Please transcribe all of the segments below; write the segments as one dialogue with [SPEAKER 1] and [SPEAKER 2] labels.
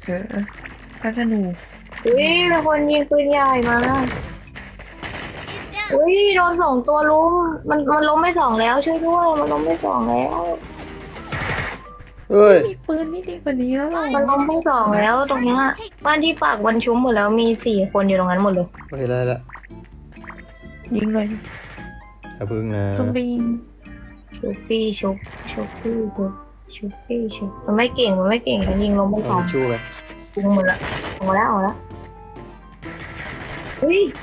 [SPEAKER 1] พระธนู
[SPEAKER 2] อุ้ยมีคนยิงปืนใหญ่มาอุ้ยโดน2 ตัวลุมมันล้มไป2แล้วช่วยด้วยมันล้มไป2แล้ว
[SPEAKER 3] เฮ้ย
[SPEAKER 1] มีปืนนี่ดีกว่านี้แล้วหรอ
[SPEAKER 2] มันล้มไป2แล้วตรงนี้บ้านที่ปากวันชุ้มหมดแล้วมี4 คนอยู่ตรงนั้นหมดเลย
[SPEAKER 3] โอเคได้ละ
[SPEAKER 1] ยิงเลย
[SPEAKER 3] อย่าพึ่งนะ
[SPEAKER 1] ต้องไปยิง
[SPEAKER 2] ชุบปี้ชุบปี้ชุบปี้ชุบมันไม่เก่งแล้วยิงล้มไป2
[SPEAKER 3] เอาชู้ไป
[SPEAKER 2] ยิงหมดละออกแล้วอุ้ย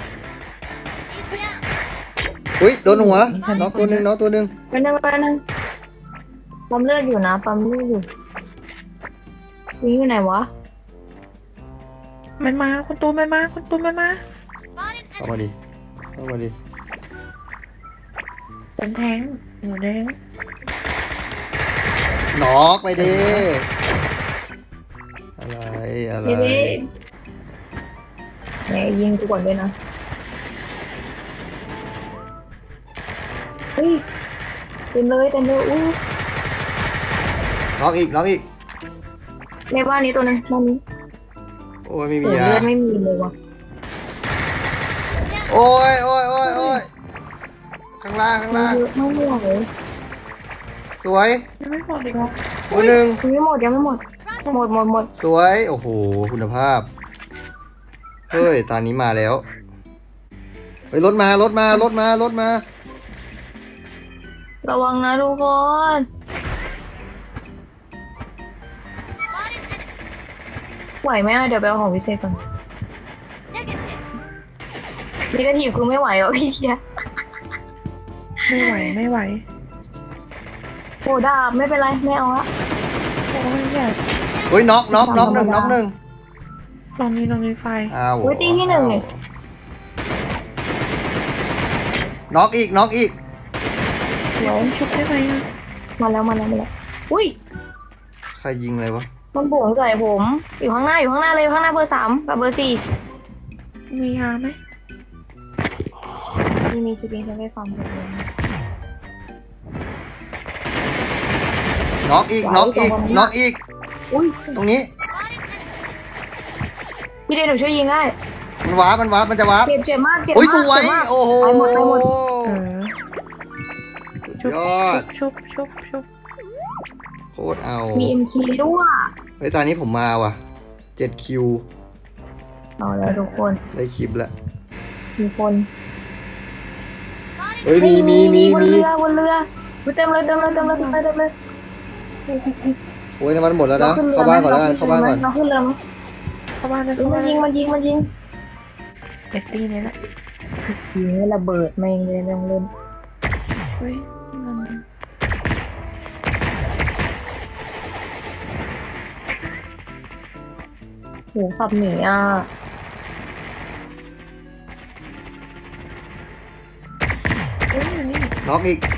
[SPEAKER 3] อุ้ยโดนหัวน็อกตัวหนึ่ง
[SPEAKER 2] ไปนั่งปั๊มเลือดอยู่นะปั๊มเลือดอยู่วิ่งอยู่ไหนวะ
[SPEAKER 1] มันมาคุณตูนมันมา
[SPEAKER 3] เข้ามาดิ
[SPEAKER 1] เป็นแทงหัวแดง
[SPEAKER 3] น็อกไปดิอะไร
[SPEAKER 2] แหมยิงกูก่อนด้วยนะเฮ้ยเต็มเลยอู้
[SPEAKER 3] น็อกอีก
[SPEAKER 2] ในบ้านนี้ตัวนึงบ้านนี้
[SPEAKER 3] โอ้ยไม่มียา
[SPEAKER 2] เลือดไม่มีเลยวะ
[SPEAKER 3] โอ้ยข้างล่าง
[SPEAKER 2] เยอะมากเลย
[SPEAKER 3] สวย
[SPEAKER 1] ยังไม่หมดอีกเหรอ
[SPEAKER 3] ตัวหนึ่ง
[SPEAKER 2] ยังไม่หมด
[SPEAKER 3] สวยโอ้โหคุณภาพเฮ้ยตอนนี้มาแล้วเฮ้ยรถมา
[SPEAKER 2] ระวังนะทุกคนไหวไหมเดี๋ยวไปเอาของพิเศษก่อนนี่กระถีบคือไม่ไหวพี่เชีย
[SPEAKER 1] ไม่ไหว
[SPEAKER 2] โอ้ดาบไม่เป็นไรไม่เอาละ
[SPEAKER 1] โอ้ยอยาก
[SPEAKER 3] เฮ้ยน็อกหนึ่ง
[SPEAKER 1] ลองมีไฟ
[SPEAKER 3] อ้าว
[SPEAKER 2] ตีที่1นี่
[SPEAKER 3] น็อกอีก
[SPEAKER 1] เดี๋ยวชุบได้ไหม
[SPEAKER 2] มาแล้วอุ้ย
[SPEAKER 3] ใครยิงอะไรวะ
[SPEAKER 2] มันบวงใส่ผมอยู่ข้างหน้าเลยข้างหน้าเบอร์ 3กับเบอร์ 4
[SPEAKER 1] มียาไหม
[SPEAKER 2] มีสปริงใช้ไฟฟังเลย
[SPEAKER 3] น็อกอีก
[SPEAKER 2] อุ้ย
[SPEAKER 3] ตรงนี้
[SPEAKER 2] พี่เดนหนูช่วยยิงได้
[SPEAKER 3] มันวาร์ปมันจะวาร์ป
[SPEAKER 2] เจ็บมาก
[SPEAKER 3] โอ้ยสวยโอ้โห
[SPEAKER 2] หมด
[SPEAKER 3] ยอด
[SPEAKER 1] ชุบ
[SPEAKER 3] โคตรเอา
[SPEAKER 2] มี MK ด้วย
[SPEAKER 3] เฮ้ยตอนนี้ผมมาว่ะ7 คิว
[SPEAKER 2] เอาแล้วทุกคน
[SPEAKER 3] ได้คลิปแล้ว
[SPEAKER 2] มีคน
[SPEAKER 3] เฮ้ยมี
[SPEAKER 2] บนเรือเต็มเลย
[SPEAKER 3] โอ้ยน้ำมันหมดแล้วนะเข้าบ้านก่อนเราขึ้นเรือมั้ย
[SPEAKER 1] เข้าบ้านเลย
[SPEAKER 2] มันยิง
[SPEAKER 1] เด็กตีนี่แหละ
[SPEAKER 2] ยิงระเบิดไม่เลยไม่ต้องเล่น
[SPEAKER 1] เฮ้ย
[SPEAKER 2] โหขับหนี
[SPEAKER 3] น็อกอีก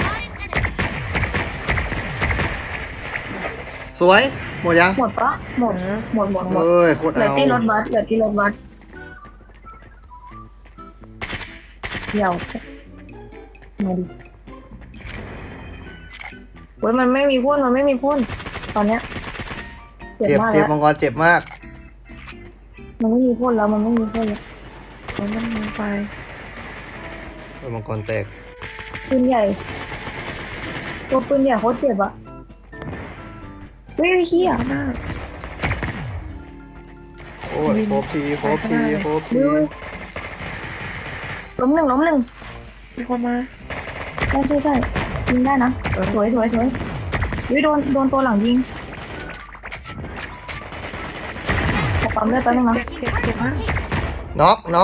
[SPEAKER 3] สวยหมดยัง
[SPEAKER 2] หมดปะหมด
[SPEAKER 3] เฮ้ยโคตรเอา
[SPEAKER 2] เหลือที่รถบัสเดี๋ยวมาดิเว้ยมันไม่มีพ่นตอนเนี้ย
[SPEAKER 3] เจ็บมังกรเจ็บมาก
[SPEAKER 2] มันไม่มีพ่นแล้วมันมีไฟ
[SPEAKER 3] มังกรแตก
[SPEAKER 2] ปืนใหญ่ตัวปืนใหญ่โคตรเจ็บอะเฮ้ยเหี้ยมาก
[SPEAKER 3] โอ้ยโคบที
[SPEAKER 2] ล้มหนึ่ง
[SPEAKER 1] มีคนมา
[SPEAKER 2] ใช่ยิงได้นะสวยวิโดนตัวหลังยิงขอปั๊มเลือดแป๊บนึงนะ
[SPEAKER 1] เจ็บมาก
[SPEAKER 3] น็อก
[SPEAKER 1] แล้ว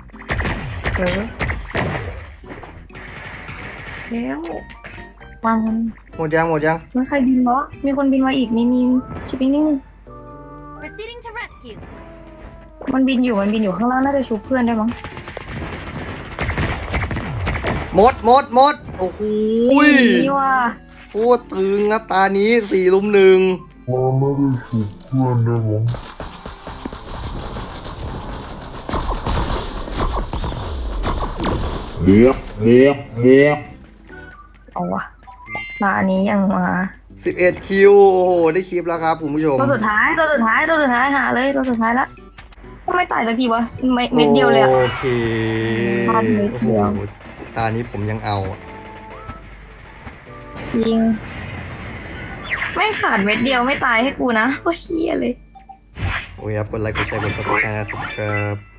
[SPEAKER 2] วาง
[SPEAKER 3] หมดยัง
[SPEAKER 2] มันใครบินวะมีคนบินมาอีกมีชิปปิ้งนี่มันบินอยู่ข้างล่างน่าจะชุบเพื่อนได้มั้ง
[SPEAKER 3] หมดโอ้โห
[SPEAKER 2] นี่ว่ะ
[SPEAKER 3] โคตรตึงนะตานี้4 ลุม 1
[SPEAKER 4] ไม่ได้ฉุกเพื่อนได้มั้งเรียบ
[SPEAKER 2] เอาวะตานี้ยังมา
[SPEAKER 3] 11 คิว โอ้โห ได้คลิปแล้วครับคุณผู้ชม
[SPEAKER 2] ตัวสุดท้ายหาเลยตัวสุดท้ายละทำไมตายสักทีวะเม็ดเดียวเลยอะ
[SPEAKER 3] โอเค
[SPEAKER 2] พันเม็ด
[SPEAKER 3] โอ้
[SPEAKER 2] เดี
[SPEAKER 3] โห
[SPEAKER 2] ยว
[SPEAKER 3] ตานี้ผมยังเอาอะ
[SPEAKER 2] จริงไม่ขาดเม็ดเดียวไม่ตายให้กูนะโคตรเฮียเลย
[SPEAKER 3] โอ้ยครับกดไลค์กดแชร์กดซับสไครต์นะครับ